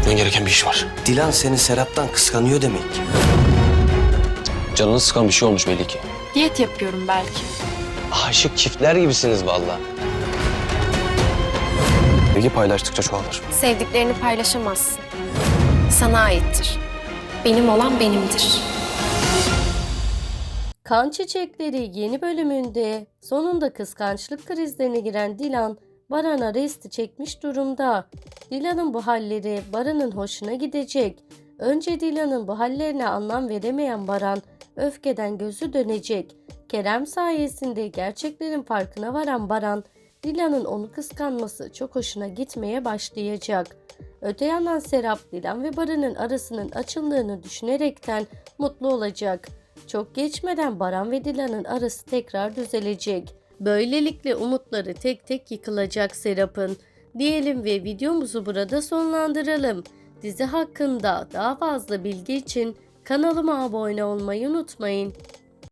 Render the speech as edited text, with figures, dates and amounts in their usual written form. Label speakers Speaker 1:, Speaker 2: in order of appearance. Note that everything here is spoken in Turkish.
Speaker 1: Gitmen gereken bir iş var.
Speaker 2: Dilan seni Serap'tan kıskanıyor demek.
Speaker 1: Canını sıkan bir şey olmuş belli ki.
Speaker 3: Diyet yapıyorum belki.
Speaker 2: Aşık çiftler gibisiniz vallahi.
Speaker 1: Bilgi paylaştıkça çoğalır.
Speaker 4: Sevdiklerini paylaşamazsın. Sana aittir. Benim olan benimdir.
Speaker 5: Kan Çiçekleri yeni bölümünde sonunda kıskançlık krizlerine giren Dilan, Baran'a resti çekmiş durumda. Dilan'ın bu halleri Baran'ın hoşuna gidecek. Önce Dilan'ın bu hallerine anlam veremeyen Baran, öfkeden gözü dönecek. Kerem sayesinde gerçeklerin farkına varan Baran, Dilan'ın onu kıskanması çok hoşuna gitmeye başlayacak. Öte yandan Serap, Dilan ve Baran'ın arasının açıldığını düşünerekten mutlu olacak. Çok geçmeden Baran ve Dilan'ın arası tekrar düzelecek. Böylelikle umutları tek tek yıkılacak Serap'ın. Diyelim ve videomuzu burada sonlandıralım. Dizi hakkında daha fazla bilgi için kanalıma abone olmayı unutmayın.